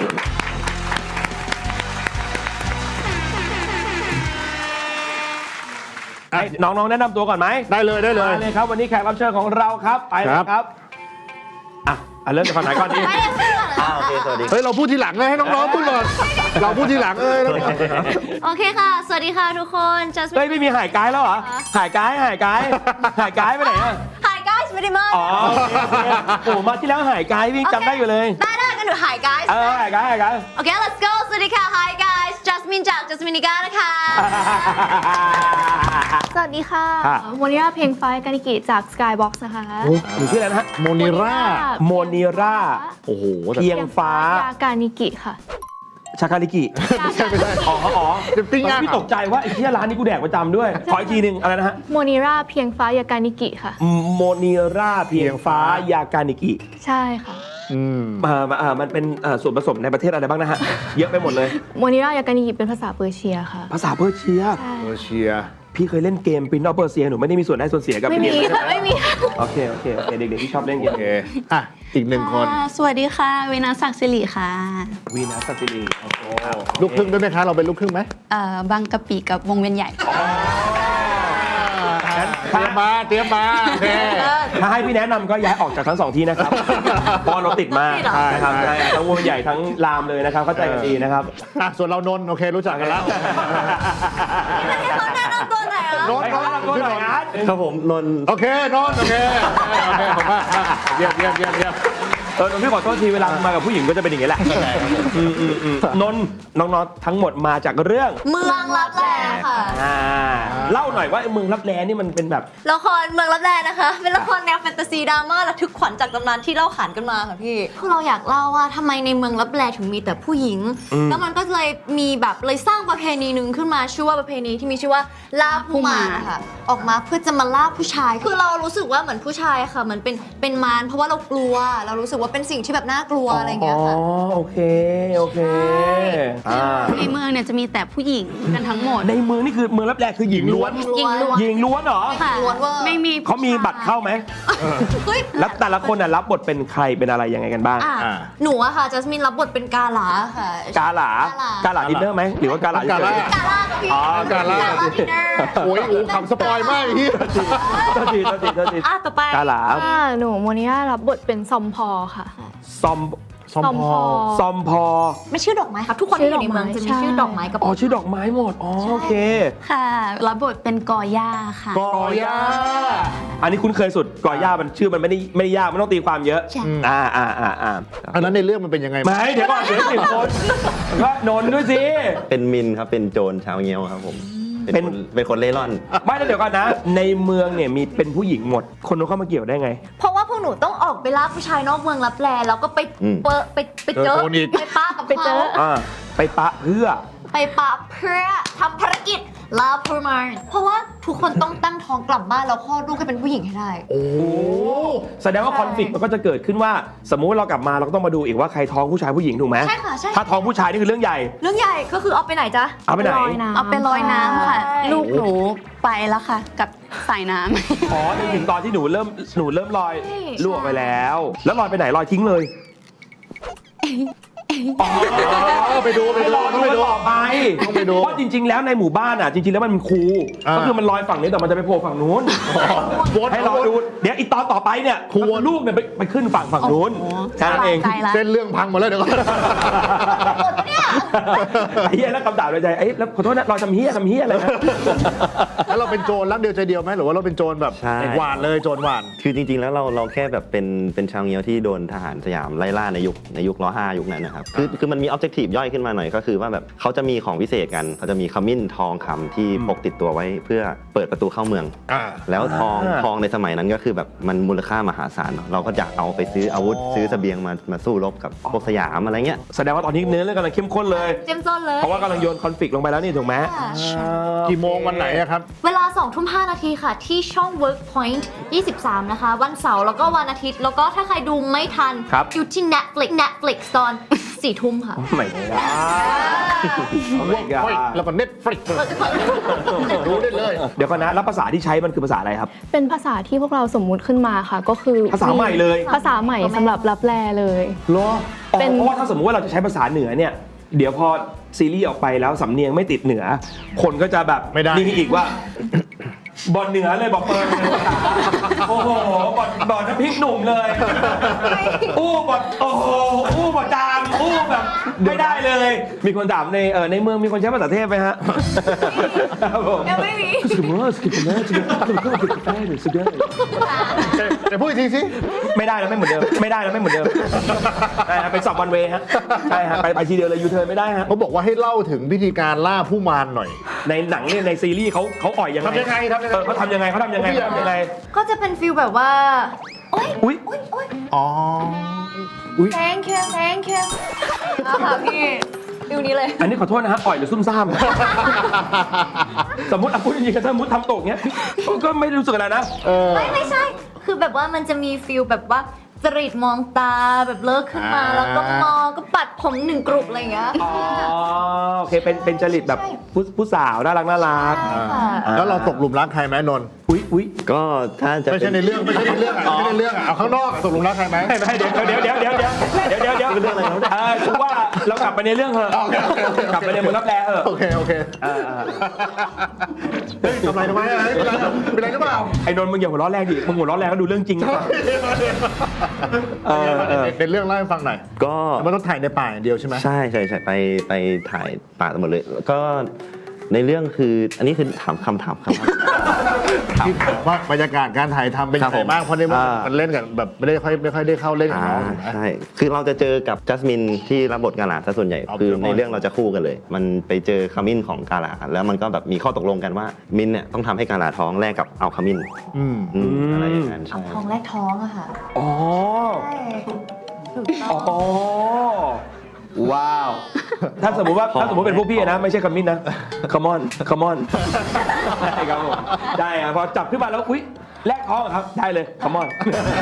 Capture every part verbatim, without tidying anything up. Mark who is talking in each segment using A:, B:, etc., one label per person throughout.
A: ให้น้องๆแนะนำตัวก่อนไหม
B: ได้เลยได้เลย
A: เลยครับวันนี้แขกรับเชิญของเราครับไปเลยครับอ่ะเริ่มจากฝั่งไหนก่อนดี
C: อ่าโอเคสวัสดี
B: เฮ้ยเราพูดทีหลังเลยให้น้องๆพูดก่อนเราพูดทีหลังเอ้ย
D: โอเคค่ะสวัสดีค่ะทุกคนจัสมิน
A: เฮ้ยไม่มีหายกายแล้วเหรอหายกายหายกายหายกายไปไหนอ่ะ
D: หายกายไม่ได้มา
A: อ๋อโอ้มาที่แล้วหายกายพี่จำได้อยู่เลย
D: ได้ได้กันหนูหายกาย
A: เออหายกายหายกาย
D: โอเค let's go สวัสดีค่ะ Hi guys จัสมินจากจัสมินิก้านะคะ
E: สวัสดีค่ะโมนิราเพลงไฟกานิกิจาก Skybox นะคะ
A: หนูชื่ออะไรนะฮะ
B: โมนิรา
A: โมนิราโอ้โหเพียงฟ้าย
E: ากานิกิค่ะ
A: ชาคาลิกิ
B: ไม่ใช่ไม่ใช่
A: อ๋ออ๋อ
B: ปิ้งย่าง
A: พี่ตกใจว่าไอ้ที่ร้านนี้กูแดกประจำด้วยขออีกทีหนึ่งอะไรนะฮะ
E: โมนิราเพียงฟ้ายากานิกิค่ะ
A: โมนิราเพียงฟ้ายากานิกิ
E: ใช่ค่ะ
A: อืมอ่าอ่ามันเป็นส่วนผสมในประเทศอะไรบ้างนะฮะเยอะไปหมดเลย
E: โมนิรายากานิกิเป็นภาษาเปอร์เซียค่ะ
A: ภาษาเปอร์เซีย
B: เปอร์เซีย
A: พี่เคยเล่นเกมปรินซ์ออฟเปอร์เซียหนูไม่ได้มีส่วนได้ส่วนเสียกับ
E: ไม่มีไม่มี
A: โอเคโอเคโอเคเด็กๆที่ชอบเล่นเกม
B: โอเคอ่ะอีกหนึ่งคน
D: สวัสดีค่ะวินาศักดิ์สิริค่ะ
A: วีนัสศักดิ์สิริโอ้โห
B: ลูกครึ่งด้วยไหมคะเราเป็นลูกครึ่งไหม
D: เอ่อบางกะปิกับวงเวียนใหญ่
B: เตรียมมาเตรียมมา
A: ถ้าให้พี่แนะนำก็ย้ายออกจากทั้งสองที่นะครับเพราะเราติดมากนะครับทั้งวงใหญ่ทั้งรามเลยนะครับเข้าใจกันดีนะครับ
B: ส่วนเรานนโอเครู้จักกันแล้ว
A: นนท์นนท์นนท์หน่อยนะครับ
C: ผมนนท์
B: โอเคนนท์โอเคโอเคผมว่าเยี่ยมเยี่ยมเยี่ยมเยี่ยม
A: เออพี่ขอโทษทีเวลามากับผู้หญิงก็จะเป็นอย่างนี้แหละนนท์น้องๆทั้งหมดมาจากเรื่อง
D: เมืองลับแลค่ะ
A: เล่าหน่อยว่าเมืองลับแลนี่มันเป็นแบบ
D: ละครเมืองลับแลนะคะเป็นละครแนวแฟนตาซีดราม่าระทึกขวัญจากตำนานที่เล่าขานกันมาค่ะพี่คือเราอยากเล่าว่าทำไมในเมืองลับแลถึงมีแต่ผู้หญิงแล้วมันก็เลยมีแบบเลยสร้างประเพณีหนึ่งขึ้นมาชื่อว่าประเพณีที่มีชื่อว่าล่าผู้มารนะคะออกมาเพื่อจะมาล่าผู้ชายคือเรารู้สึกว่าเหมือนผู้ชายค่ะเหมือนเป็นเป็นมารเพราะว่าเรากลัวเรารู้สึกว่าเป็นสิ่งที่แบบน่ากลัวอะไรอย่างเงี้ยค่ะ
A: อ๋อโอเคโอเค
D: ในเมืองเนี่ยจะมีแต่ผู้หญิงกันทั้งหมด
A: ในเมืองนี่คือเมืองลับแลคือหญิงล้วน
D: หญิงล้วน
A: หญิงล้วนเหรอ
D: ล้วนว่า
A: ไม่มีเขามีบัตรเข้าไหมแล้วแต่ละคนน่ะรับบทเป็นใครเป็นอะไรยังไงกันบ้าง
D: หนูอะค่ะจัสมินรับบทเป็นกาหลาค่ะ
A: กาหลากาหลาดินเนอร์ไหมหรือว่ากาหลาก
B: าหลากาหลา
A: อ๋อกาหลา
B: โอ้ยโอ้คำสปอยมากที่
A: ตัวจีตัวจีตัวจี
D: อ่ะต่อไป
A: กาหลา
E: หนูโมนิรารับบทเป็นซอมพอค่ะ
A: ซอมซอมพอซอมพอ
D: ไม่ชื่อดอกไม้ครับทุกคนที่อยู่ในเมืองจะมีชื่อดอกไม้กับ
A: อ๋อชื่อดอกไม้หมดอ๋อโอเค
D: ค่ะรับบทเป็นกอย่าค่ะ
A: กอย่าอันนี้คุ้นเคยสุดกอย่ามันชื่อมันไม่ได้ไม่ได้ยากไม่ต้องตีความเยอะอ่าอ่าอ่าอ่า
B: อันนั้นในเรื่องมันเป็นยังไง
A: ไม่เดี๋ยวก่อนเดี๋ยวสิบคนก็นนด้วยสิ
C: เป็นมินครับเป็นโจรชาวเงี้ยวครับผมเป็นเป็นคนเล่ร่อน
A: ไม่แล้วเดี๋ยวก่อนนะในเมืองเนี่ยมีเป็นผู้หญิงหมดคนนู้นเข้ามาเกี่ยวได้ไง
D: เพราะว่าพวกหนูต้องออกไปล่าผู้ชายนอกเมืองลับแลแล้วก็ไปเปอไปไปเจอไปปะกับ
E: ไปเจอ
A: ไปปะเพื่อ
D: ไปปะเพื่อทำภารกิจล่าผู้มารเพราะว่าทุกคนต้องตั้งท้องกลับบ้านแล้วคลอดลูกให้เป็นผู้หญิงให้ได้
A: โอ้แสดงว่าคอนฟลิกต์มันก็จะเกิดขึ้นว่าสมมุติว่าเรากลับมาเราก็ต้องมาดูอีกว่าใครท้องผู้ชายผู้หญิงถูกไหม
D: ใช่ค่ะใช่
A: ถ้าท้องผู้ชายนี่คือเรื่องใหญ่
D: เรื่องใหญ่ก็คือเอาไปไหนจ๊ะ
A: เอาไปไหน
D: เอาไปลอยน้ำค่ะลูกหนูไปแล้วค่ะกับสายน้
A: ำอ๋อถึงตอนที่หนูเริ่มหนูเริ่มลอยลูกออกไปแล้วแล้วลอยไปไหนลอยทิ้งเลย
B: ไปดูไปดู
A: ต้องไปดูต่อไป
B: ต้องไปดู
A: เพราะจริงๆแล้วในหมู่บ้านอ่ะจริงๆแล้วมันเป็นครูก็คือมันลอยฝั่งนี้แต่มันจะไปโผล่ฝั่งนู้นให้เราดูเดี๋ยวอีกตอนต่อไปเนี่ยครูลูกเนี่ยไปขึ้นฝั่งฝั่งนู้นแค่นั้นเอง
B: เส้นเรื่องพังหมดแล้วเดี๋ยวก่อน
A: ไอ้เหี้ยแล้วคำด่าเลยใจไอ้แล้วขอโทษนะเราทำเหี้ยทำเหี้ยอะไรนะ
B: แล้วเราเป็นโจรรักเดียวใจเดียวไหมหรือว่าเราเป็นโจรแบบหวานเลยโจรหวาน
C: คือจริงๆแล้วเราเราแค่แบบเป็นเป็นชาวเงี้ยวที่โดนทหารสยามไล่ล่าในยุคในยุคล้อห้ายุคนั้นนะครับคือคือมันมีออบเจกตีฟย่อยขึ้นมาหน่อยก็คือว่าแบบเขาจะมีของพิเศษกันเขาจะมีขมิ้นทองคำที่พกติดตัวไว้เพื่อเปิดประตูเข้าเมืองแล้วทองทองในสมัยนั้นก็คือแบบมันมูลค่ามหาศาลเราก็จะเอาไปซื้ออาวุธซื้อเสบียงมามาสู้รบกับพวกสยามอะไรเงี้ย
A: แสดงว่าตอนนี้เนื้อเรื่องกำลังเข้มข้นเลย
D: เข้มข้นเลย
A: เพราะว่ากำลังโยนคอนฟลิกต์ลงไปแล้วนี่ถูกไหม
B: กี่โมงวันไหนครับ
D: เวลาสองทุ่มห้านาทีค่ะที่ช่อง Workpoint ยี่สิบสามนะคะวันเสาร์แล้วก็วันอาทิตย์แล้วก็ถ้าใครดูไม่ทันอยู่ที่ Netflix Netflix ตอนสี่ทุ่มค่ะ
A: ไม่ได้
B: วกค่อยแล้วก็เน็ตฟลิกรู้ได้เลย
A: เดี๋ยวก่อนนะแล้วภาษาที่ใช้มันคือภาษาอะไรครับ
E: เป็นภาษาที่พวกเราสมมุติขึ้นมาค่ะ ก็คือ
A: ภาษาใหม่เลย
E: ภาษาใหม่สำหรับรับแลเลย
A: เหรออ๋อ
E: เป็น
A: เพราะว่าถ้าสมมติว่าเราจะใช้ภาษาเหนือเนี่ยเดี๋ยวพอซีรีส์ออกไปแล้วสำเนียงไม่ติดเหนือ คนก็จะแบบ
B: ไม่ได้
A: นี่อีกว่า บอลเหนือเลยบอกเปิดเลยโอ้โหบอลบอลน้ำพริกหนุ่มเลยอู้บอลโอ้โหอู้บอลจามอู้แบบไม่ได้เลย มีคนถามในเออในเมืองมีคนใช้ภาษาเทพไหมฮะครับผม
D: ยังไม่มี
A: สกิปเปอร์สกิปเปอร์สกิปเปอร์สกิปเปอร์สกิปเปอร์สกิปเปอร์
B: แต่พูดอีกทีสิ
A: ไม่ได้แล้วไม่เหมือนเดิมไม่ได้แล้วไม่เหมือนเดิมใช่ฮะเป็นสับวันเวฮะใช่ฮะไปไปทีเดียวเลยยูเทิร์นไม่ได้ฮะ
B: เขาบอกว่าให้เล่าถึงวิธีการล่าผู้มารหน่อย
A: ในหนังเนี่ยในซีรีส์เขาเขาอ่อยยังไง
B: ทำยังไงทำยังไง
A: เออเขาทำยังไงเขาทำยังไงเขาทำยังไง
D: ก็จะเป็นฟิลแบบว่า โอ๊ย
A: อุ๊ย
D: โอ๊ยโอ๊ย
B: อ๋ออุ้ย
D: thank you thank you เอาค่ะพี่ฟิลนี้เลย
A: อันนี้ขอโทษนะฮะอ่อยหรือซุ่มซ่ามสมมติอ่ะพูดจริงๆกันสมมติทำตกเงี้ยก็ไม่รู้สึกอะไรนะ
B: เออ
D: ไม่ไม่ใช่ คือแบบว่ามันจะมีฟิลแบบว่าจริตมองตาแบบเลิกขึ้นมา
B: อ่า
D: แล้วก็มองก็ปัดผมหนึ่งกรุบอะไรอย่างเงี้ย
A: อ๋อโอเคเป็นเป็นจริตแบบผู้ผู้สาวน่ารักน่ารัก
D: ใช่ค่ะ
B: แล้วเราตกหลุมรักใครไหมนนท์
A: อุ๊ยอุ๊ย
C: ก็ถ้าจะ
B: ไม่
C: เป็
B: ใช่
C: น
B: ในเรื่องไม่ใช่ในเรื่องอ่ะไม่ใช่ในเรื่องอ่ะเอาข้างนอกอ่ะตกหลุมรักใครไหม
A: ไม่ไม่เดี๋ยวเดี๋ยวเดี๋ยวเดี๋ยวเดี๋ยวเดี๋ยวเดี๋ยวเดี๋ยวเดี๋ยวเออคือว่าเรากลับไปในเรื่องเถอะ
B: โอเคโอเคโอเค
A: กลับไปในเมืองรับแลเถอะ
B: โอเคโอเค
A: เออเออ
B: เฮ้ยทำไรทำไมอะไรเป็นไรเป็นไรหรือเปล่า
A: ไอ้นนท์มึงอย่าหัวเราะแรงดิมึงหัวเราะแรงก็ดูเรื่องจริงนะเออเออ
B: เป็นเรื่องเล่าให้ฟังหน่อย
C: ก็
B: มันต้องถ่ายในป่าอย่างเดียวใช่ไหม
C: ใช่ใช่ใช่ไปไปถ่ายป่าทั้งหมดเลยแล้วก็ในเรื่องคืออันนี้คือถามคำถามครับ
B: ที่ถามว่าบรรยากาศการถ่ายทำเป็นยังไงบ้างเพราะในเมื่อมันเล่นกันแบบไม่ได้ค่อยไม่ค่อยได้เข้าเล่นกับ
C: อ่า
B: น้องถูกไหม
C: ใช่ คือเราจะเจอกับจัสมินที่รับบทกาลาซะส่วนใหญ่
B: เอา
C: คือ
B: เดี๋ยวก่อน
C: ในเรื่องเราจะคู่กันเลย มันไปเจอขมิ้นของกาลาแล้วมันก็แบบมีข้อตกลงกันว่ามินเนี่ยต้องทำให้กาลาท้องแลกกับเอาขมิ้น
B: อืม
C: อืมอะไรอย่างนั้น
D: เอา
C: ใช่
D: ท้องแรกท้องอะค่ะ
A: อ๋อ
D: ใช่ถูก
A: อ๋
D: ต้
A: อ
D: อง
A: ว้าว ถ้าสมมติว่าถ้าสมมติเป็นพวกพี่อะนะ ไม่ใช่คำมินนะ come on come on ได้ครับผมได้ครับพอจับขึ้นมาแล้วอุ๊ยแลกท้องเหรอครับ ได้เลย come on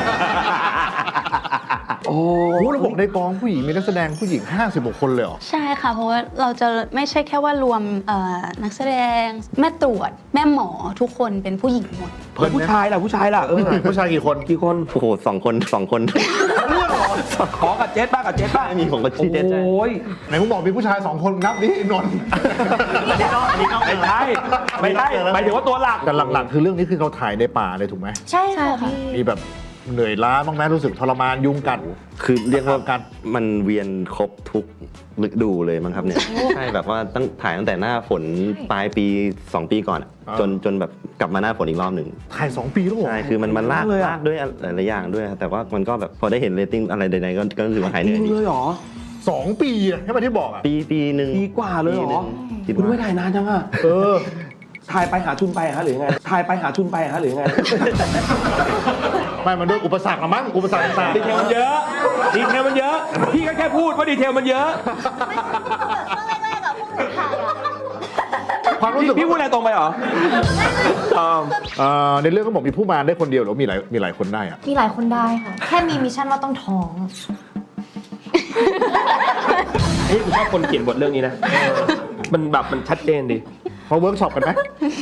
A: โอ้
B: โอ้โหเราบอกในกองผู้หญิงมีนักแสดงผู้หญิงห้าสิบกว่าคนเลยเหรอ
F: ใช่ค่ะ เพราะว่าเราจะไม่ใช่แค่ว่ารวมเอ่อนักแสดง แม่ตรวจ แม่หมอทุกคนเป็นผู้หญิงหมด
A: เฮ้ยผู้ชายล่ะผู้ชายล่ะเออ
B: ผู้ชายกี่คน
A: กี่คน
C: โอ้โหสองคนสองคน
A: ขอกับเจสบ้างกับเจสบ้าง
C: มีผมกับเจสใช่
A: โอ้ย
B: ไหนมึงบอกมีผู้ชายสองคนนับดินนท์
A: ไม่ใช่ไม่ใช่หมายถึงว่าตัวหลัก
B: แต่หลักๆคือเรื่องนี้คือเราถ่ายในป่าเลยถูกไหม
D: ใช่
E: ใช่
D: ค่ะ
E: ค่ะ
D: พี่
B: มีแบบเหนื่อยล้าบ้างไหมรู้สึกทรมานยุงกัด
C: คือเรียกว่า
B: กัน
C: มันเวียนครบทุกฤดูเลยมั้งครับเนี่ย ใช่แบบว่าตั้งถ่ายตั้งแต่หน้าฝนปลายปีสองปีก่อนอะ
B: อ่า
C: จนจนแบบกลับมาหน้าฝนอีกรอบหนึ่ง
B: ถ่ายสองปีแล้วเหรอ
C: ใช่ คือมันมันลาก
A: เลยอะ
C: ลากด้วยหลายๆอย่างด้วยครับแต่ว่ามันก็แบบพอได้เห็นเรตติ้งอะไรใดๆก็ก็รู้สึกว่าหายเห
A: จริ
C: นื่อย
A: ง
C: ดี
A: เลยเหรอ
B: สองปีอะให้มาที่บอกอะ
C: ปีปีหนึ่ง
A: ปีกว่าเลยเหรอ
C: ปีนึ่งคิด
A: คุณไม่
C: ว่า
A: ถ่ายนานจังอะ
B: เออ
A: ถ่ายไปหาทุนไปฮะหรือไงถ่ายไปหาทุนไปฮะหรือไง
B: ไม่มันด้วยอุปสรรคละมั้งอุปสรรคต่าง
A: ดีเทลมันเยอะ ดีเทลมันเยอะ พี่ก็แค่พูดว่าดีเทลมันเยอะ
D: ช่วงแรกๆอะพวกหนูถ่ายอะ
B: ๆความรู้สึก
A: พี่พูดอะไรตรงไปเหรออ่า
B: เอ่อในเรื่องก็บอกมีผู้มารได้คนเดียวหรือมีหลายมีหลายคนได้อะ
D: มีหลายคนได้ค่ะ แค่มีมิชชั่นว่าต้องท้อง
A: เฮ้ยผมชอบคนเขียนบทเรื่องนี้นะ มันแบบมันชัดเจนดี
B: มาเวิร์กช็อปกันไหม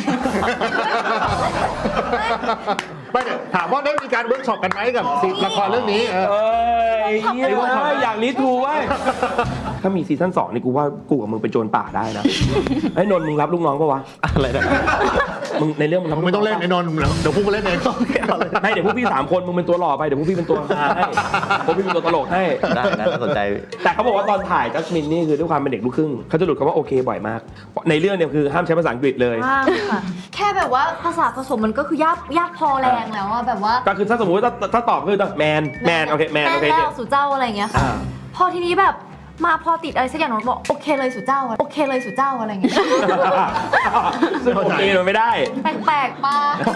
B: ไม่เนี่ยถามว่าได้มีการเวิร์กช็อปกันไหมกับซีละครเรื่องนี้เออ
A: เอ้ยเหี้ยเว้ยอยากรีทูเว้ย ถ้ามีซีซั่นสองนี่กูว่ากูกับมึงเป็นโจรป่าได้นะไอ้ยนนท์มึงรับลูกน้องปะวะ
C: อะไรนะ
A: มึงในเรื่องมึงรับ
B: มึงไม่ต้องเล่นไอ้นนท์เดี๋ยวพวกกูเล่นเอง
A: ให้เดี๋ยวพวกพี่สามคนมึงเป็นตัวหล่อไปเดี๋ยวพวกพี่เป็นตัวฮาให้พวกพี่เป็นตัวตลกให้
C: ได้นะน่าสนใจ
A: แต่เขาบอกว่าตอนถ่ายจัสมินนี่คือด้วยความเป็นเด็กลูกครึ่งเขาจะหลุดคำว่าโอเคบ่อยมาก ในเรื่องเนี่ยคือห้ามใช้ภาษาอังกฤษเลย
D: ว่างค่ะ แค่แบบว่าภาษาผสมมันก็คือยากยากพอแรงแล้วอะแบบว่า
A: ก็คือถ้าสมมติว่าถ้าถ้าตอบคือแมนแมนโอเคแมนโอเค
D: แม่
A: เนี่ย
D: แล้วสู่เจ้าอะไรอย่างเงี้ยค่ะ
A: อ่า
D: พอทีนี้แบบมาพอติดอะไรสักอย่างหนูบอกโอเคเลยสู่เจ้าอะโอเคเลยสู่เจ้าอะไรอย่างเงี้ย
A: ซึ่งโอเคมันไม่ได้
D: แปลกๆป้า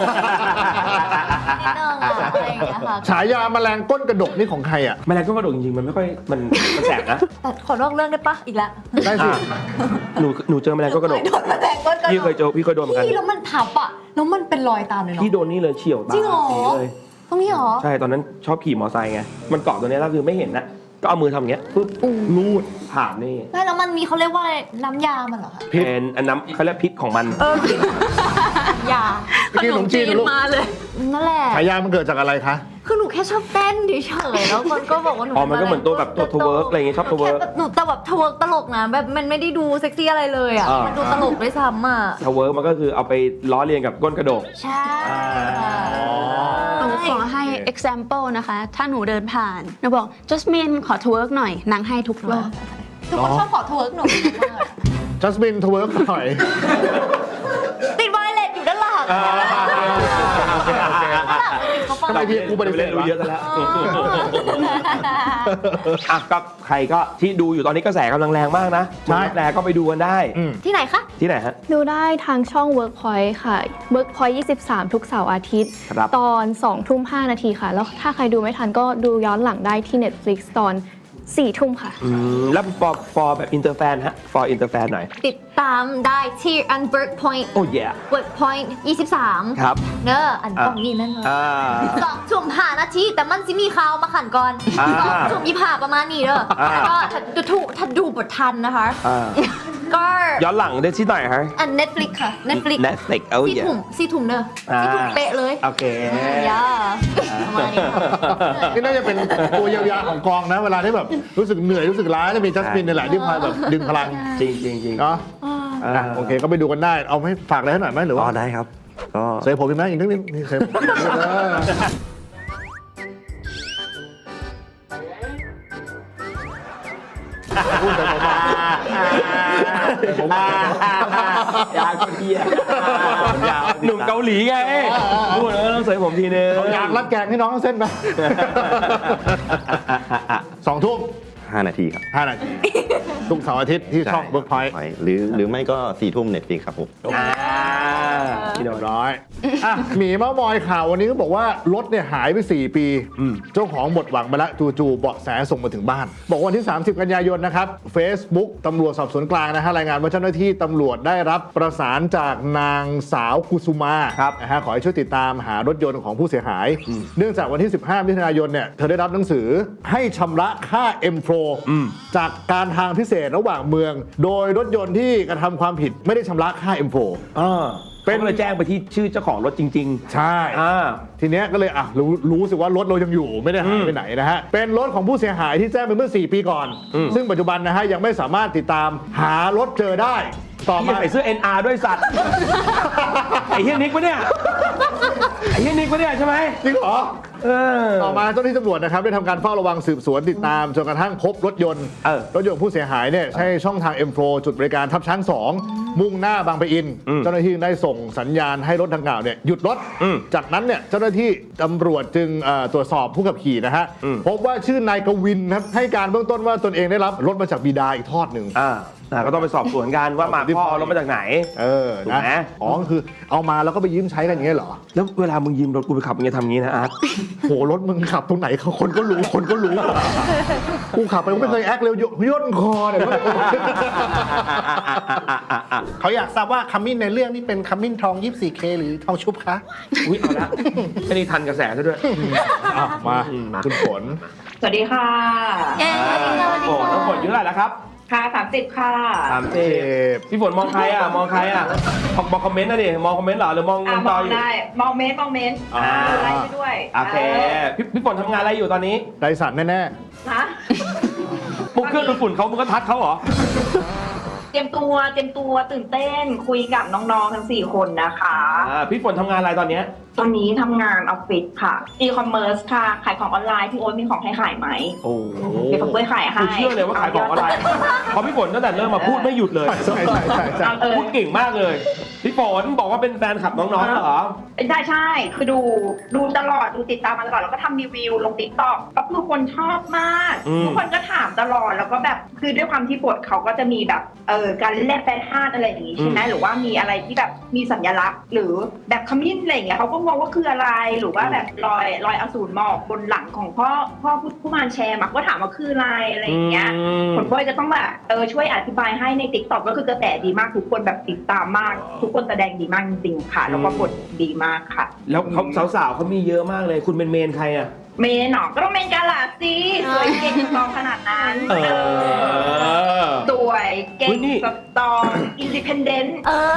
D: นิดนึงอะอะไรอย่างเงี้ยค่ะ
B: ฉายาแมลงก้นกระดกนี่ของใครอ่ะ
A: แมลงก็กระโดดจริงๆมันไม่ค่อยมันมันแสบนะ
D: แต่ขอนอกเรื่องได้ปะอีกแล้ว
B: ได้สิ
A: อ่ะหนูหนูเจอแมลงก็กระโดด
D: โดนแมลงก้นกระ
A: พี่
D: โด
A: เคย
D: ด
A: เจอพี่เคยโดนเหมือนกัน
D: พี่แล้วมันทับอะแล้วมันเป็นรอยตามเลยเนาะ
A: พี่โดนนี่เลยเฉียวตา
D: จริงเหรอ
A: สีเลย
D: ตรงนี้เหรอ
A: ใช่ตอนนั้นชอบขี่มอไซค์ไงมันเกาะตัวเนี้ยแล้วคือไม่เห็นนะก็เอามือทำอย่างเงี้ยปุ๊บรูดผ่านนี่
D: ไม่แล้วมันมีเขาเรียกว่าอะไรน้ำยามันเหรอคะ
A: เป็นอันน้ำเขาเรียกพิษของมัน
D: ยา
B: กินขนมจีนลูก
F: มาเลย
D: นั่นแหละ
B: ฉายามันเกิดจากอะไรคะ
D: คือหนูแค่ชอบเต้นเฉยๆแล้วคนก็บอกว่าหนู
A: อ๋อมันก็เหมือนตัวแบบตัวทเวิร์กอะไรอย่างงี้ชอบทเวิร์ก
D: แค่หนูแต่แบบทเวิร์กตลกนะแบบมันไม่ได้ดูเซ็กซี่อะไรเลยอ่ะ
A: อ่ามั
D: มันดูตลกด้วยซ้ำอ่ะ
A: ทเวิร์กมันก็คือเอาไปล้อเลียนกับก้นกระดก
D: ใช่
F: หนูขอให้ example นะคะ ถ้าหนูเดินผ่านหนูบอก Jasmine ขอทเวิร์กหน่อยนางให้ทุกรอบ
D: ทุกคนชอบขอทเวิร์กหนูมาก
B: จัสมินทเวิร์กหน่อย
D: ติดไวเลสอยู่ด้านหลัง
A: อ่า
D: เขาฟัง
B: ทำไมพี่กูปฏิเสธ
A: รู้
B: วะ
A: เยอะกันแล้วอ่ะก็ใครก็ที่ดูอยู่ตอนนี้กระแสกำลังแรงมากนะ
B: ใช่
A: แรงก็ไปดูกันได้
B: อืม
D: ที่ไหนคะ
A: ที่ไหนฮะ
E: ดูได้ทางช่อง Workpoint ค่ะ Workpoint ยี่สิบสาม ทุกเสาร์อาทิตย์
A: ครับ
E: ตอนสองทุ่มห้านาทีค่ะ แล้วถ้าใครดูไม่ทันก็ดูย้อนหลังได้ที่ Netflix ตอนสี่ทุ่มค่ะ
A: อืมแล้ว for for แบบอินเตอร์แฟนฮะ for อินเตอร์แฟนหน่อย
D: ติดตามได้ที่ Unwork Point
A: โอ้ย
D: Work Point ยี่สิบสาม
A: ครับ
D: เนอะอันตรงนี้นั่นเลย
A: อ่า
D: สองทุ่มห้านาทีแต่มันจะมีข่าวมาขันก่อน
A: อ่า
D: สองทุ่มยี่สิบห้าประมาณนี้เด้ออา แล้วก็ถ้าดูถูกถ้าดูบททันนะคะ
A: อ่า
D: ก็
A: ย้อนหลังได้ที่ไหนฮะ
D: อัน Netflix ค่ะ Netflix
A: Netflix โอ้ย
D: สี่ทุ่มสี่ทุ่มเด้อ
A: อ่า
D: สี่ทุ่มเป๊ะเลย
A: โอเค
D: ย่าประมาณนี้
B: นี่น่าจะเป็นตัวเยียวยาของกองนะ เวลาที่แบบรู้สึกเหนื่อยรู้สึกล้าจะมีจัสมินนี่แหละที่คอยแบบดึงพลัง
A: จริงจริงจริง
B: เนาะอ่ะโอเคก็ไปดูกันได้ เอาให้ฝากอะไรให้หน่อยไหมหรือ
C: อ๋
B: ว่า
C: อได้ครับ ก็
B: เซฟผมอีกไหมอีกนิดนึงนี่เซฟผมเออพูดแต่ผมมาผมมาย
A: าวเทียหนุ่มเกาหลีไงพูดแล้วต้องเสยผมทีนึง
B: เอาอยากรัดแกงให้น้องเส้นไปสองทุ่ม
C: ห้านาทีครับ
B: ห้านาทีทุกเสาร์อาทิตย์ที่ช่องเบิร์กพอยต์
C: หรือหรือไม่ก็สี่ทุ่มเน็ตฟลิกครับผม
A: อ่าพี่
B: เรี
A: โด
B: ย
A: น
B: บร้อยอ่ะหมีเมามอยข่าววันนี้ก็บอกว่ารถเนี่ยหายไปสี่ปี เจ้าของหมดหวังไปแล้วจู่ๆเบาะแสส่งมาถึงบ้าน บอกวันที่ สามสิบ กันยายนนะครับ Facebook ตำรวจสอบสวนกลางนะฮะรายงานว่าเจ้าหน้าที่ตำรวจได้รับประสานจากนางสาวกุสุมา
A: ครับ
B: นะฮะขอให้ช่วยติดตามหารถยนต์ของผู้เสียหาย เนื่องจากวันที่ สิบห้า มิถุนายนเนี่ยเธอได้รับหนังสือให้ชำระค่า เอ็ม โฟร์ จากการทางพิเศษระหว่างเมือง โดยรถยนต์ที่กระทำความผิดไม่ได้ชำระค่า เอ็ม โฟร์
A: อ่า
B: เป็
A: เป็น นเลยแจ้งไปที่ชื่อเจ้าของรถจริง
B: ใช่
A: ๆอ่า
B: ทีเนี้ยก็เลยอ่ะรู้รู้สึกว่ารถเรายังอยู่ไม่ได้หายไปไหนนะฮะ เป็นรถของผู้เสียหายที่แจ้งไปเมื่อ สี่ ปีก่อน ซึ่งปัจจุบันนะฮะยังไม่สามารถติดตามหารถเจอได้ ต่อ
A: พี่
B: มา
A: ใส่เสื้อ เอ็น อาร์ ด้วยสัตว์ ไอ้เฮียนิกปะเนี่ย ไอ้เฮียนิกปะเนี่ยใช่ไหม
B: จริงเหรอ
A: เออ
B: ต่อมาเจ้าหน้าที่ตำรวจนะครับได้ทำการเฝ้าระวังสืบสวนติดตามจนกระทั่งพบรถยนต์
A: เออ
B: รถยนต์ของผู้เสียหายเนี่ยใช้ช่องทาง เอ็ม โฟร์ จุดบริการทับช้างสองมุ่งหน้าบางปะอิน
A: อืม
B: เจ้าหน้าที่ได้ส่งสัญญาณให้รถดังกล่าวเนี่ยหยุดรถ
A: อืม
B: จากนั้นเนี่ยเจ้าหน้าที่ตำรวจจึงเอ่อตรวจสอบผู้ขับขี่นะฮะ
A: อืม
B: พบว่าชื่อนายกวินครับให้การเบื้องต้นว่าตนเองได้รับรถมาจากบิดาอีกทอดหนึ่ง
A: อ่าอ่าก็ต้องไปสอบสวนกันว่ามาพ่อเอารถมาจากไหน
B: เออ
A: ถูก
B: นะ
A: ไหม
B: อ๋อคือเอามาแล้วก็ไปยืมใช้กันอย่างเงี้ยเหรอ
A: แล้วเวลามึงยืมรถกูไปขับมึงจะทำงี้นะอาร์ต
B: โหรถมึงขับตรงไหนเขาคนก็รู้คนก็รู้ กูขับไปกูไม่เคยแอคเร็วย่นคอเนี่ย
G: เขาอยากทราบว่าคัมมินในเรื่องนี้เป็นคัมมินทอง ยี่สิบสี่เค หรือทองชุบคะ
A: อุ้ยเอาละแค่นี้ทันกระแสซะด้วย
B: อ่ะมาคุณฝน
H: สวัสดีค่ะ
D: เย้สวัสดีค่ะสวัสดี
A: โอ้
D: ค่ะ
A: น้องฝนอายุเท่าไหร่แล้วครับ
H: ค่ะสามสิบค่ะ
A: สามสิบพี่ฝนมองใครอ่ะ มองใครอ่ะมองคอมเมนต์นะดิ มองคอมเมนต์เหรอ หรือมอง
H: อ่ะ
A: มอง
H: ม
A: จอ
H: อง
A: อยู่
H: ได้ มองเมนต์มองเมนต์
A: อ่า
H: ดูไลฟ์ไปด้วย
A: โอเค พี่พี่ฝนทำงานอะไรอยู่ตอนนี้
B: ไดสันแน่
H: นะ
A: มุกเครื่องดูดฝุ่นเขามึงก็ทักเขาเหรอ
H: เตรียมตัว เตรียมตัวตื่นเต้น คุยกับน้องๆ ทั้งสี่คนนะคะ
A: อ่า พี่ฝนทำงานอะไรตอนเนี้ย
H: ตอนนี้ทำงานออฟฟิศค่ะ อีคอมเมิร์ซค่ะ ขายของออนไลน์ พี่โอ๊ตมีของให้ขายไหม
A: โอ้โห
H: เดี๋ยวผมช่วยขายให้
A: กูเชื่อเลยว่าขายของอะไรเพราะพี่ฝนตั้งแต่เริ่มมาพูดไม่หยุดเลย
B: ๆใช่ใช่ใช่ใช่
H: เออ
A: พูดเก่งมากเลย พี่ฝนบอกว่าเป็นแฟนคลับน้องๆเหรอ
H: ใช่ใช่คือดูดูตลอดดูติดตามมาตลอดแล้วก็ทำรีวิวลงติ๊กต็อกก็คือคนชอบมาก
A: อืม
H: ทุกคนก็ถามตลอดแล้วก็แบบคือด้วยความที่บทเขาก็จะมีแบบเออการเล่นแฟชั่นอะไรอย่างงี้ใช่ไหมหรือว่ามีอะไรที่แบบมีสัญลักษณ์ หรือแบบขมิ้นอะไรอย่างเงี้ยเขาก็งงว่าคืออะไรหรือว่าแบบรอยรอยอสูรหมอกบนหลังของพ่อพ่อผู้ผู้มารแชร์มักก็ถามว่าคืออะไรอะไรอย่างเงี้ย ผลพลอยจะต้องแบบเออช่วยอธิบายให้ในติ๊กต็อกก็คือกระแสดีมากทุกคนแบบติดตามมาก ทุกคนแสดงดีมากจริงๆค่ะ แล้วก็บทดีมากค่ะ
A: แล้วเขาสาวๆเขามีเยอะมากเลย คุณเป็นเมนใครอ่ะ
H: เมนหนอก็ต้องเมนกาลาสิสวยเก่งสตรองขนาดนั้น
A: เออ
H: สวยเก่
A: อุ๊
H: ง
A: ยนี่
H: สตรองอินดิเพนเดนต์
D: เออ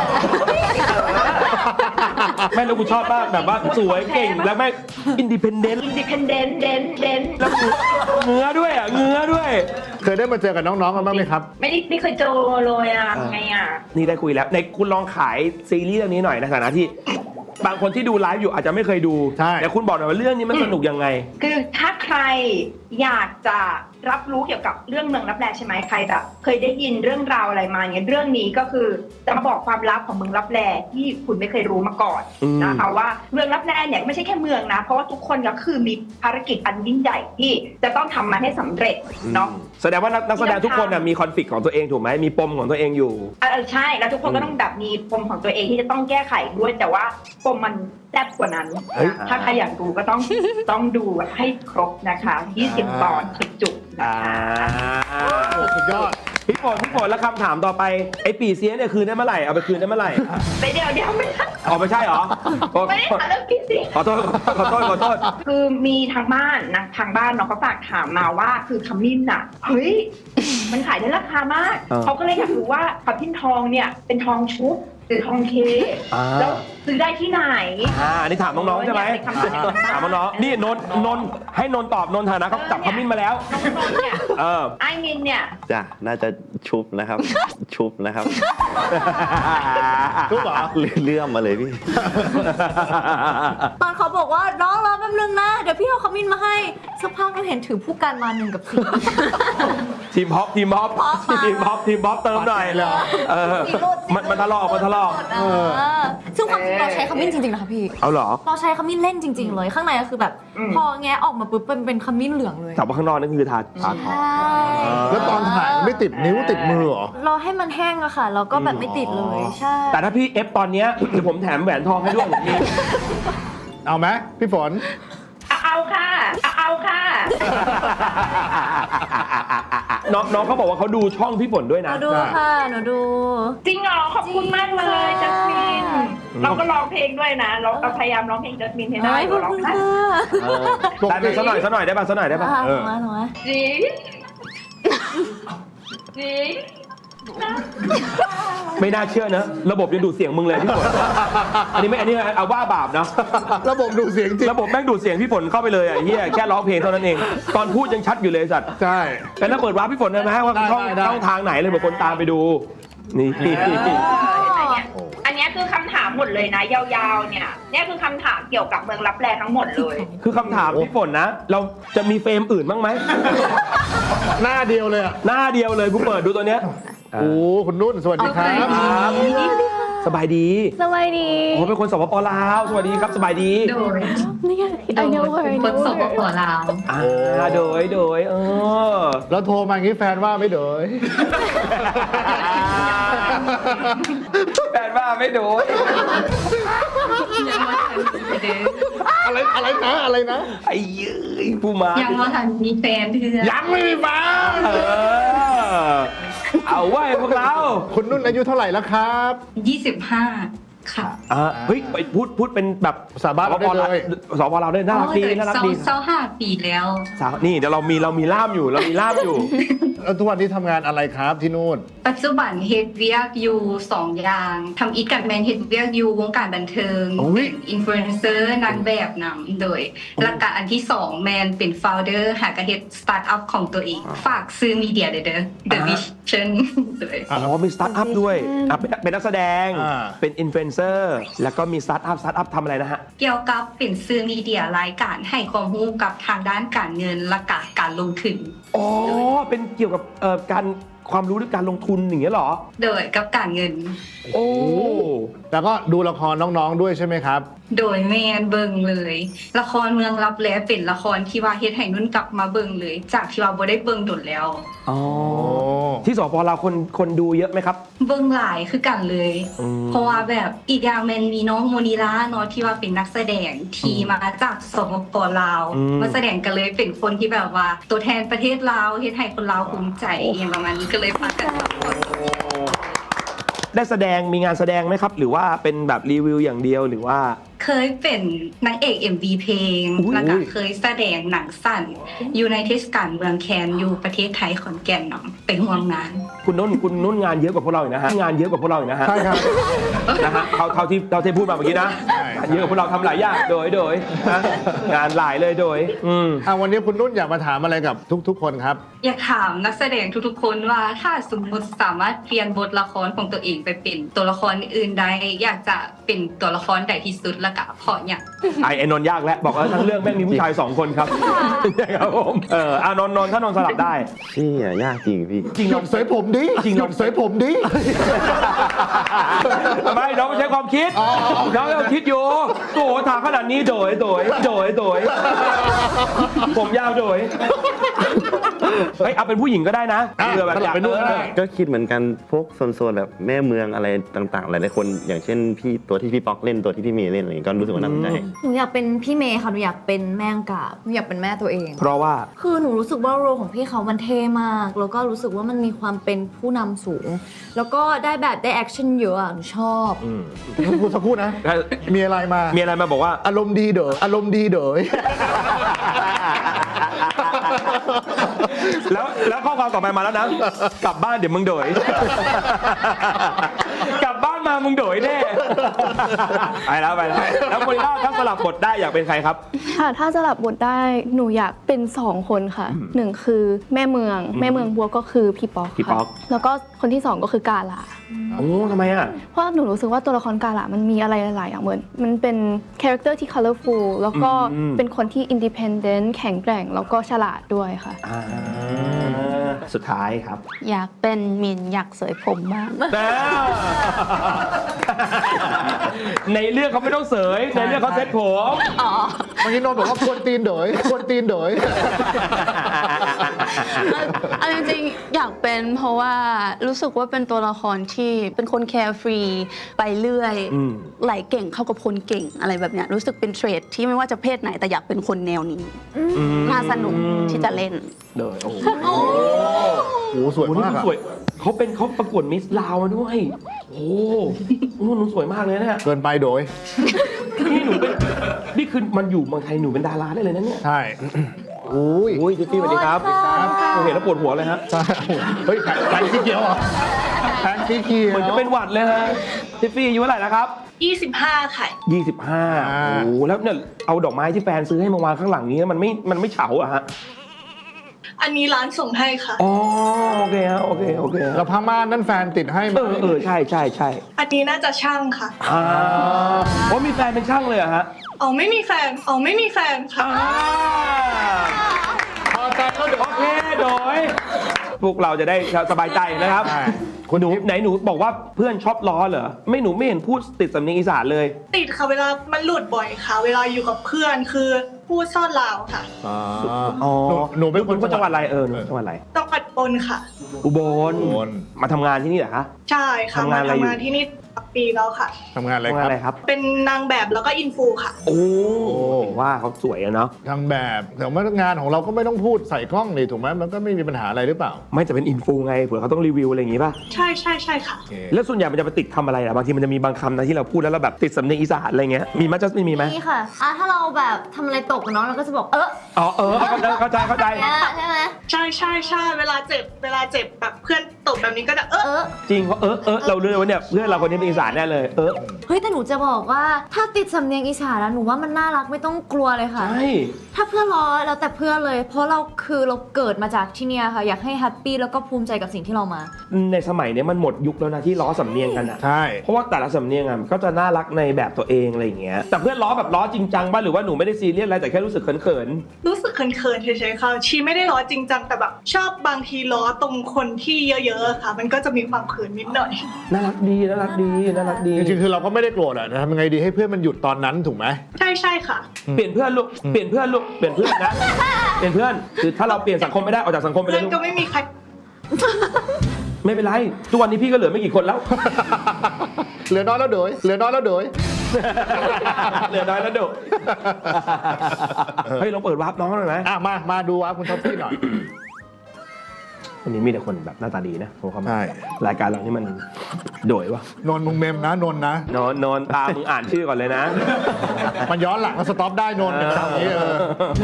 A: แม่แล้วกูชอบมากแบบว่าสวยเก่งแล้วแม่อินดิเพนเดนต์
H: อินดิเพนเดนต์เดนเดน
A: แล้วเงื้อด้วยอ่ะเงื้อด้วย
B: เคยได้มาเจอกับน้องๆกันบ้างไหมครับ
H: ไม่ได้ไม่เคยเจอเลยอ่ะไงอ่ะ
A: นี่ได้คุยแล้วในคุณลองขายซีรีส์เรื่องนี้หน่อยในฐานะที่ บางคนที่ดูไลฟ์อยู่อาจจะไม่เคยดู
B: ใช่
A: แต่คุณบอกหน่อยว่าเรื่องนี้มันสนุกยังไง
H: คือถ้าใครอยากจะรับรู้เกี่ยวกับเรื่องเมืองลับแลใช่ไหมใครแบบเคยได้ยินเรื่องราวอะไรมาอย่างเงี้ยเรื่องนี้ก็คือจะมาบอกความลับของเมืองลับแลที่คุณไม่เคยรู้มาก่อน
A: อืม
H: นะคะว่าเมืองลับแลเนี่ยไม่ใช่แค่เมืองนะ เพราะว่าทุกคนก็คือมีภารกิจอันยิ่งใหญ่ที่จะต้องทำมันให้สำเร็จเนาะ
A: แสดงว่านักนักแสดงทุกคนน่ะมีคอนฟ lict ของตัวเองถูกไหมมีปมของตัวเองอยู่
H: เออใช่แล้วทุกคนก็ต้องแบบมีปมของตัวเองที่จะต้องแก้ไขด้วยแต่ว่าปมมันแซ่บกว่านั้น
B: เฮ้ย
H: ถ้าใครอยากดูก็ต้อง ต้องดูให้ครบนะคะยี่สิบตอนจุกๆ
A: อ่า
H: นะคะ
B: สุดยอด
A: พี่ฝนพี่ฝนแล้วคำถามต่อไปไอ้ปีเสียเนี่ยคืนได้เมื่อไหร่เอาไปคืนได้เมื่อไหร่
H: ไปเดี๋ยวเดี๋ยวไม่ได้
A: อ๋อไม่ใช่เหรอ
H: ไม่ได้ถามเรื่องพี่สิ
A: ขอโทษขอโทษขอโทษ
H: คือมีทางบ้านนะทางบ้านเนาะเขาฝากถามมาว่าคือขมิ้นอ่ะเฮ้ยมันขายได้ราคามาก
A: เออ
H: เขาก็เลยอยากรู้ว่าขมิ้นทองเนี่ยเป็นทองชุบหรือทองเค
A: อ่า
H: แล้วซื้อได้ที่ไหน
A: อ่าอันนี้ถามน้องๆใช่ไหม
H: เนี่ยเป็นคำถาม
A: ถามน้องๆนี่นนท์นนท์ให้นนท์ตอบนนท์ฐานะเขาจับขมิ้นมาแล้ว
H: น้องๆเนี่ย
A: เออ
H: ไอ้มินเนี่ย
C: จ้ะน่าจะชุบนะครับ ชุบนะครับ
B: ชุบเหรอ
C: เลื่อมมาเลยพี่
D: ตอนเขาบอกว่าน้องรอแป๊บนึงนะ เดี๋ยวพี่เอาขมิ้นมาให้สักพักเราเห็นถือผู้กันมาหนึ่งกับสี่
A: ทีมฮอปทีมฮอป
D: ฮอปมา
A: ทีมฮอปทีมฮอปเติมหน่อย
B: เลยเหรอ
A: เออ
D: สีรูดสีรูด
A: มันมันทะลอกมันทะลอก
D: เออซึ่งความจริงเราใช้ขมิ้นจริงๆนะคะพี่
A: เอาเหรอ
D: เราใช้ขมิ้นเล่นจริง ๆ เลย ข้างในก็คือแบบ
H: อืม
D: พอแงะออกมาปุ๊บเป็นเป็นขมิ้นเหลืองเลย
A: แต่ว่าข้างนอกนั่นคือทาทาทอง
D: ใช่
B: แล้วตอนถ่ายไม่ติดนิ้วติดมือเหรอ
D: เราให้มันแห้งอะค่ะ แล้วก็แบบไม่ติดเลยใช่
A: แต่ถ้าพี่เอฟตอนเนี้ยเดี๋ยวผมแถมแหวนทองให้ด้วยผมมี
B: เอาไหมพี่ฝน
H: เอาเอาค่ะเอาเอาค่ะ
A: น้องน้องเขาบอกว่าเขาดูช่องพี่ฝนด้วย
D: ห
A: นะ
D: นูดูค่ะหนูดู
H: จริงเหรอขอบคุณมากเลยจัสมินเราก็ร้องเพลงด้วยนะ เราเราพยายามร้องเพลงจัสมินให้ได้
D: ไม่ขอบ
H: เราร้อง
D: คุณ
H: ได้
D: ค่ะ
A: ได้ไหมสักหน่อยสักหน่อยได้ป่ะสักหน่อยได้ป่ะ
D: อ่ะ
A: เอ
D: หนู
A: อ
D: มาหนูมา
H: จริงจริง
A: ไม่น่าเชื่อนะระบบยังดูดเสียงมึงเลยพี่ฝนอันนี้ไม่อันนี้เอาว่าบาปนะ
B: ระบบดูเสียงจริง
A: ระบบแม่งดูดเสียงพี่ฝนเข้าไปเลยอ่ะเฮียแค่ร้องเพลงเท่านั้นเอง ตอนพูดยังชัดอยู่เลยสัตว์
B: ใช่
A: แต่ถ้าเปิดวาร์ปพี่ฝนได้ไหมว่า
B: ได้
A: ช่อง
B: ได้
A: ช่องทางไหนเลยเผื่อคนตามไปดู นี่
H: อันเนี้ยอันเนี้ยคือคำถามหมดเลยนะ ยาวๆเนี่ยเนี่ยคือคำถามเกี่ยวกับเมืองลับแลทั้งหมดเลย
A: คือคำถามพี่ฝนนะ เราจะมีเฟรมอื่นบ้างไหม
B: หน้าเดียวเลยอ่ะ
A: หน้าเดียวเลยกูเปิดดูตัวเนี้ย
B: โอ้คุณนุ่นสวัสดีครับ
A: ครับสบายดี
E: สวัสดี
A: โอ้เป็นคนสปปลาวสวัสดีครับสบายดี
I: โดย
E: เนี่ย I know her I
I: คน
E: know
I: สป
E: her
I: ปลาว
A: อ่าโดยโดยเออ
B: แล้วโทรมาอย่างนี้แฟนว่าไม่เดย
A: แฟนว่าไม่โดย
I: ยังว่าทันมีเด้อ
B: อะไรอะไรนะอะไรนะ
A: ไอ้เย้ยผู้มา
I: ยังว่าทันมีแฟนเถื่อ
B: ยังไม่มีแฟน
A: เออเอาไว้พวกเรา
B: คุณนุ่นอายุเท่าไหร่แล้วครับ
I: ยี่สิบห้าค่ะ
A: อ่าเฮ้ยไปพูดพูดเป็นแบบ
B: ภาษาบ้านเราได้เลย
A: สปปลาวได้น่ารักดีน่ารัก
I: เศร้า
A: ดี
I: เศร้าห้าปีแล้ว
A: สาวนี่เดี๋ยวเรามีเรามีล่ามอยู่เรามีล่ามอยู่
B: แล้วทุกวันนี้ทำงานอะไรครับที่นู่น
I: ปัจจุบันเฮดเวียกอยู่สองอย่างทำอีกกับแมนเฮดเวียกอยู่วงการบันเทิง
B: โอ้ย
I: อินฟลูเอนเซอร์นางแบบนำโดยหลักการอันที่สองแมนเป็นโฟลเดอร์หากระเฮ็ดสตาร์ทอัพของตัวเอง ฝากซื้อมีเดียเด้อเด้อ The
A: อ่า
I: Vision โดย
A: อ๋อมีสตาร์ทอัพด้วยอ่ะเป็นเป็นนักแสดง
B: อ่า
A: เป็นอินฟลูเอนเซอร์แล้วก็มีสตาร์ทอัพสตาร์ทอัพทำอะไรนะฮะ
I: เกี่ยวกับเป็นซื้อมีเดียรายการให้ความรู้กับทางด้านการเงินและกการลงทุน
A: อ๋อเป็นเกี่ยวกับเอ่อการความรู้เรื่องการลงทุนอย่างเงี้ยเหรอ
I: โดยกับการเงิน
A: โอ้
B: แล้วก็ดูละครน้องๆด้วยใช่ไหมครับ
I: โดยแมนเบิงเลย ละครเมืองลับแลเป็นละครที่ว่าเฮ็ดให้นุ่นกลับมาเบิงเลย จากที่ว่าบ่ได้เบิงโดนแล้ว
A: อ๋อ
B: โอ้
A: ที่สปปลาวคนคนดูเยอะไหมครับ
I: เบิงหลายคือกันเลย
A: อืม
I: เพราะว่าแบบอีกอย่างแมนมีน้องโมนิลาเนาะที่ว่าเป็นนักแสดงที่มาจากสปปลาว
A: อืม
I: มาแสดงกันเลยเป็นคนที่แบบว่า ตัวแทนประเทศลาวเฮ็ดให้คนลาวภูมิใจอย่างประมาณนี้ก็เลยพากันมาโปรโมท
A: ได้แสดงมีงานแสดงไหมครับ หรือว่าเป็นแบบรีวิวอย่างเดียวหรือว่า
I: เคยเป็นนางเอก เอ็ม วี เพลง แล้วก็เคยแสดงหนังสั้นอยู่ในเทศกาลเมืองแคนอยู่ประเทศไทยขอนแก่นเนาะไปห่วงงาน
A: คุณนุ่นคุณนุ่นงานเยอะกว่าพวกเราอีกนะฮะงานเยอะกว่าพวกเราอีกนะฮะ
B: ใช่ครับ
A: นะฮะเขาเขาที่เราที่พูดมาเมื่อกี้นะ
B: ใช่
A: งานเยอะกว่าพวกเราทำหลายอย่างโดยโดยนะงานหลายเลยโดยอืม
B: อ่ะวันนี้คุณนุ่นอยากมาถามอะไรกับทุกๆ คนครับ
I: อยากถามนักแสดงทุกๆคนว่าถ้าสมมติสามารถเปลี่ยนบทละครของตัวเองไปเป็นตัวละครอื่นใดอยากจะเป็นตัวละครใดที่สุดและก็เพราะอย่าง
A: ไอไอ้นนท์ยากแล้วบอกว่าทั้งเรื่องแม่งมีผู้ชายสองคนครับครับผมเอออ่ะนนท์นนท์ถ้านนท์สลับได้
C: ชี่ยยากจริงพี่
A: จริง
B: ห
A: ล
B: ยุ
A: อง
B: ดเสยผมดิ
A: จริง
B: ห
A: เหร
B: ยุ
A: อ
B: ดเสยผมดิ
A: ทำไมน้องไม่ใช้ความคิดน้องยังคิดอยู่โอ้โหถามขนาดนี้โดยโดยโดยโดยผมยาวโดยเฮ้ยเอาเป็นผู้หญิงก็ได้นะ
B: อ่ะ
A: เผื่อแบบ
B: สลับเป็นนุ่นก็ได้
C: ก็คิดเหมือนกันพวกโซนๆแบบแม่เมืองอะไรต่างๆหลายๆคนอย่างเช่นพี่ตัวที่พี่ป๊อกเล่นตัวที่พี่เมย์เล่นอะไรอย่างเงี้ยก็รู้สึกว่าน่าสนใจ
D: หนูอยากเป็นพี่เมย์ค่ะหนูอยากเป็นแม่งกาบหนูอยากเป็นแม่ตัวเอง
A: เพราะว่า
D: คือหนูรู้สึกว่าโรลของพี่เขามันเท่มาก แล้วก็รู้สึกว่ามันมีความเป็นผู้นำสูง แล้วก็ได้แบบได้แอคชั่นเยอะอะหนูชอบ
B: พูดสักครู่นะ มีอะไรมา
A: มีอะไรมาบอกว่า
B: อารมณ์ดีเด้ออารมณ์ดีเด้อ
A: แล้วแล้วข้อความต่อไปมาแล้วนะ กลับบ้านเดี๋ยวมึงโดย กลับบ้านมามึงโดยแน่ไปแล้วไปแล้วแล้วคนล่าถ้าสลับบทได้อยากเป็นใครครับ
E: ค่ะถ้าสลับบทได้หนูอยากเป็นสองคนค่ะหนึ่งคือแม่เมืองแม่เมืองบัวก็คือพี่ป๊อก
A: พี่ป๊อก
E: ค่ะแล้วก็คนที่สองก็คือกาลา
A: โอ้ทำไมอ่ะ
E: เพราะหนูรู้สึกว่าตัวละครกาลามันมีอะไรหลายๆอย่างเหมือนมันเป็นคาแรคเตอร์ที่ colorful แล้วก็
A: อืม
E: เป็นคนที่ independent แข็งแกร่งแล้วก็ฉลาดด้วยค่ะ
A: อ่าสุดท้ายครับ
F: อยากเป็นมินอยากสวยผมบ้าง
A: ในเรื่องเขาไม่ต้องเสยในเรื่องเขาเซ็ตผม
B: เมื่อกี้โนนบอกว่าควรตีนเด๋ยควรตีนเด๋ย
F: เอาจริงๆอยากเป็นเพราะว่ารู้สึกว่าเป็นตัวละครที่เป็นคนแคร์ฟรีไปเรื่อย
A: อืม
F: ไหลเก่งเข้ากับคนเก่งอะไรแบบเนี้ยรู้สึกเป็นเทรดที่ไม่ว่าจะเพศไหนแต่อยากเป็นคนแนวนี้น่าสนุกที่จะเล่น
A: เดยโอ้โห
B: โอ้โหสวย
A: โอ้โหนี่
B: มาก
A: มัน
B: อะ
A: สวยเขาเป็นเขาประกวดมิสลาวมาด้วย โอ้โหโอ้โหหนูสวยมากเลยนะเนี่ย
B: เกินไปโดย
A: นี่หนูเป็นนี่คือมันอยู่เมืองไทยหนูเป็นดาราได้เลยนะเนี่ย
B: ใช่โอ้ย
A: โอ้ยจิ๊บซี่สวัสดีครับผมเห็นแล้วปวดหัวเลยฮะ
B: ใช่เฮ้ยแผงแผงสีเขียวเหรอแผงสีเขียว
A: เหมือนจะเป็นหวัดเลยฮะจิ๊บซี่อายุเท่าไหร่แล้วครับ
H: ยี่สิบห้าค่ะ
A: ยี่สิบห้า
B: อ่า
A: โอ้โหแล้วเนี่ยเอาดอกไม้ที่แฟนซื้อให้มาวางข้างหลังนี้มันไม่มันไม่เฉาอะฮะ
H: อันนี้ร้านส่งให้ค่ะ
A: อ๋อโอเคฮะโอเคโอเค
B: แล้วผ้าม่านนั่นแฟนติดให้ไหม
A: เออเออใช่ใช่ใช่
H: อันนี้น่าจะช่างค่ะ
A: อ่าเพราะมีแฟนเป็นช่างเลยเหรอะฮะ
H: อ๋อไม่มีแฟน อ๋อไม่มีแฟนค่ะ
A: อ่า
B: พอใจแล้วเดี๋ยว
A: โอเคโดยพวกเราจะได้สบายใจนะครับ
B: ใช่
A: คุณหนูไหนหนูบอกว่าเพื่อนชอบล้อเหรอไม่หนูไม่เห็นพูดติดสำเนียงอีสานเลย
H: ติดค่ะเวลามันหลุดบ่อยค่ะ เวลาอยู่กับเพื่อนคือพูดซ่อนลาวค่ะ
B: อ๋อ
A: อ๋อ
B: หนูหนูเป็นคน
A: จังหวัดอะไรเออหนูจังหวัดอะไร
H: ต้องกัดปนค่ะ
A: อุบล
B: อุบล
A: มาทำงานที่นี่เหรอคะ
H: ใช่ค่ะ
A: ทำงานอะไรอยู่
H: ทำงานที่นี่ปีแล้วค่ะ
B: ทำงานอะไร
A: ทำ
B: ค
A: งาน
B: รับ
A: อะไรครับ
H: เป็นนางแบบแล้วก็อินฟูค่ะ
A: โอ้ว่าเขาสวยอะเนาะ
B: ทางแบบแต่ว่างานของเราก็ไม่ต้องพูดใส่กล้องนี่ถูกไหมมันก็ไม่มีปัญหาอะไรหรือเปล่า
A: ไม่จะเป็นอินฟูไงเผื่อเขาต้องรีวิวอะไรอย่างงี้ป่ะ
H: ใช่ใช่ใช่ค่ะ
B: โอเค
A: แล้วส่วนใหญ่มันจะไปติดคำอะไรอะบางทีมันจะมีบางคำนะที่เราพูดแล้วเราแบบติดสำเนียงอีสานอะไรเงี้ยมีมั้ยจัสมินมีไหม
D: นี่ค่ะอ่ะถ้าเราแบบทำอะไรตกกับน้องเราก็จะบอกเออ
A: อ๋อเออเข้าใจเข้าใจเข้าใจ
D: เนี่ยใช่ไหม
H: ใช่ใช่ใช่เวลาเจ็บเวลาเจ็บแบบเพื่อนตกแบบนี้ก็จะเออ
D: เออ
A: จริงเพราะเออเออเรารู้เลยว่าเนี่ยเพื่อนเราคนนี้เป็นอีสานแน่เลยเออ
D: เฮ้ยแต่หนูจะบอกว่าถ้าติดสำเนียงอีสานแล้วหนูว่ามันน่ารักไม่ต้องกลัวเลยค่ะ
A: ใช่
D: ถ้าเพื่อนล้อแล้วแต่เพื่อนเลย เพราะเราคือเราเกิดมาจากที่เนี่ยค่ะ อยากให้แฮปปี้แล้วก็ภูมิใจกับสิ่งที่เรามา
A: ในสมัยเนี้ยมันหมดยุคแล้วนะที่ล้อสำเนียงกันอะ
B: ใช่
A: เพราะว่าแต่ละสำเนียงอะมันก็จะน่ารักในแบบตัวเองอะไรอย่างเงี้ยแต่เพื่อนล้อแบบล้อจริงจังป่ะหรือว่าหนูไม่ได้ซีเรียสอะไรแต่แค่รู้สึกเขิน
H: รู้สึกเขินๆเฉยๆค่ะชีไม่ได้ล้อจริงจังแต่แบบชอบบางทีล้อตรงคนที่เยอะๆค่ะ มันก็จะมีความเขินนิดหน่อย
A: ๆน่ารักดีน่ารักดีน่ารักดี
B: จริงๆคือเราก็ไม่ได้โกรธอะทำยังไงดีให้เพื่อนมันหยุดตอนนั้นถูกไหม
H: ใช่ใช่ค่ะ
A: เปลี่ยนเพื่อนลูกเปลี่ยนเพื่อนลูกเปลี่ยนเพื่อนนะเปลี่ยนเพื่อนคือถ้าเราเปลี่ยนสังคมไม่ได้ออกจากสังคมไปเล
H: เพื่อย น
A: ลูก
H: ก็ไม่มีใคร
A: ไม่เป็นไรทุกวันนี้พี่ก็เหลือไม่กี่คนแล้ว
B: เหลือน้อยแล้วเด๋ยเหลือน้อยแล้วเด๋ย
A: เหลือน้อยแล้วดุเฮ้ยเราเปิดวาร์ปน้องหน่อยไหม
B: อ่ะมามาดูว่าคุณท็อปปี้หน่อย
A: โหวันนี้มีแต่คนแบบหน้าตาดีนะผมความ
B: ใช่
A: รายการเรานี่มันโดยวะ
B: นนท์มึงเมมนะนนท์นะ
A: นอนนอนตามมึงอ่านชื่อก่อนเลยนะ
B: มันย้อนหลังก็สต็อปได้นนท์อย่างนี้เออ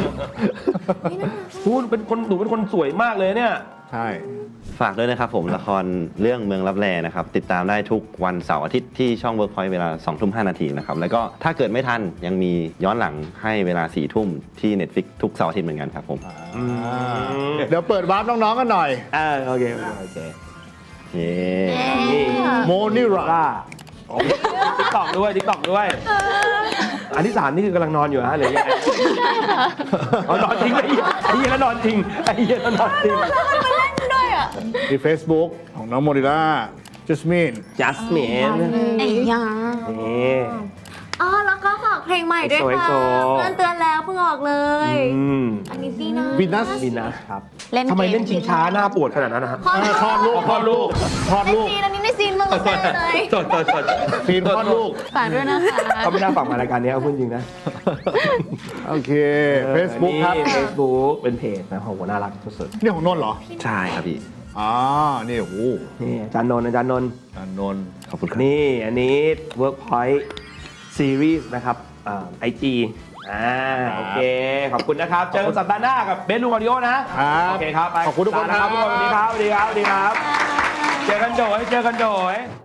A: พูดเป็นคนหนูเป็นคนสวยมากเลยเนี่ย
B: ใช่
C: ฝากด้วยนะครับผมละครเรื่องเมืองลับแลนะครับติดตามได้ทุกวันเสาร์อาทิตย์ที่ช่อง Workpoint เวลาสองทุ่มห้านาทีนะครับแล้วก็ถ้าเกิดไม่ทันยังมีย้อนหลังให้เวลาสี่ทุ่มที่ Netflix ทุกเสาร์อาทิตย์เหมือนกันครับผม
B: เดี๋ยวเปิดวาร์ปน้องๆกันหน่อย
A: เออโอเคโอเคโอเค
C: เย้
A: นี่
B: โมนิรา
A: ล่าติ๊กตอกด้วยติ๊กตอกด้วย อันที่สามนี่คือกำลังนอนอยู่ฮะหรือยังไงอ๋อนอนจริงไอ้เหี้ยไอ้เหี้ยแล้วนอนจริงไอ้เหี้ยแล้วนอนจริง
B: มี Facebook ของน้องโมนิราจัสมิน
A: จัสมิน
F: ไอ้ยา
A: นี่
D: อ๋อแล้วก็ฝากเพลงใหม่ด้วยค่ะ
A: โซโซ
D: เตือนเตือนแล้วเพิ่งออกเลย
A: อืม
D: อันนี้ซีนะ
B: วินัส
A: ดีนะครับ
F: เล่น
A: ทำไม
F: ก
A: เล่นชิงช้าหน้าปวดขนาดนั้นนะฮะ
D: คลอด
B: คลอดลูกคลอดลูกคลอด
D: ใน
B: ลูก
D: ซีนอันนี้ในซีนมึงเลย
A: สดสดสด
B: ฟีนคลอดลูก
F: ฝากด้วยนะคะ
A: เขาไม่น่าฝากมารายการนี้เอาพูดจริงนะ
B: โอเค Facebook ครับ
A: เฟซบุ๊กเป็นเพจนะโหน่ารักสุด
B: นี่ของนนท์เหรอ
C: ใช่ครับพี่
B: อ๋อ นี่โอ้โห
A: ๆนี่อาจารย์นนท์อาจารย์นนท์
B: อ่านนท์
C: ขอบคุณครับ
A: นี่อันนี้ Workpoint Series นะครับไอจีอ่าโอเค ขอบคุณนะครับ เจอกันสัปดาห์หน้ากับเบสลุงออดิโอนะ
B: ครับ
A: โอเคครับไป
B: ขอบคุณทุกคน
A: ลานะครับทุกคนสวัสดีครับสวัสดีครับสวัสดีครับ เจอกันโดยเจอกันโดย